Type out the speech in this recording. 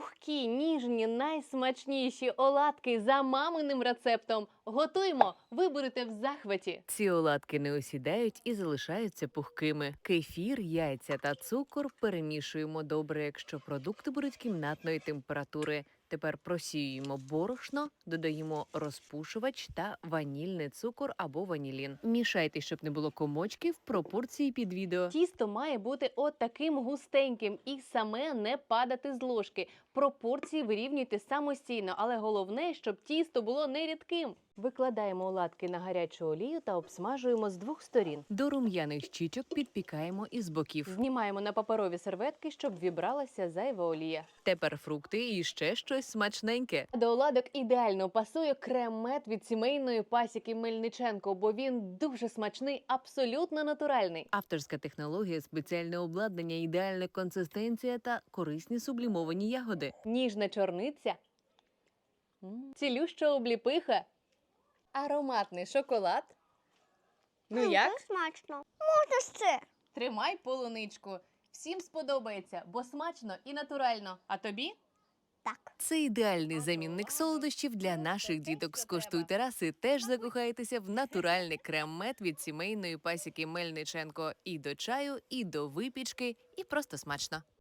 Пухкі, ніжні, найсмачніші оладки за маминим рецептом. Готуємо, ви будете в захваті. Ці оладки не осідають і залишаються пухкими. Кефір, яйця та цукор перемішуємо добре, якщо продукти будуть кімнатної температури. Тепер просіюємо борошно, додаємо розпушувач та ванільний цукор або ванілін. Мішайте, щоб не було комочків, пропорції під відео. Тісто має бути от таким густеньким і саме не падати з ложки. Пропорції вирівнюйте самостійно, але головне, щоб тісто було не рідким. Викладаємо оладки на гарячу олію та обсмажуємо з двох сторін. До рум'яних щічок підпікаємо із боків. Знімаємо на паперові серветки, щоб вібралася зайва олія. Тепер фрукти і ще щось смачненьке. До оладок ідеально пасує крем-мед від сімейної пасіки Мельниченко, бо він дуже смачний, абсолютно натуральний. Авторська технологія, спеціальне обладнання, ідеальна консистенція та корисні сублімовані ягоди. Ніжна чорниця, цілюща обліпиха, ароматний шоколад. Ну як? Це смачно. Можна ще. Тримай полуничку. Всім сподобається, бо смачно і натурально. А тобі? Так. Це ідеальний замінник солодощів для наших діток. Скуштуйте раз і теж закохайтеся в натуральний крем-мед від сімейної пасіки Мельниченко. І до чаю, і до випічки, і просто смачно.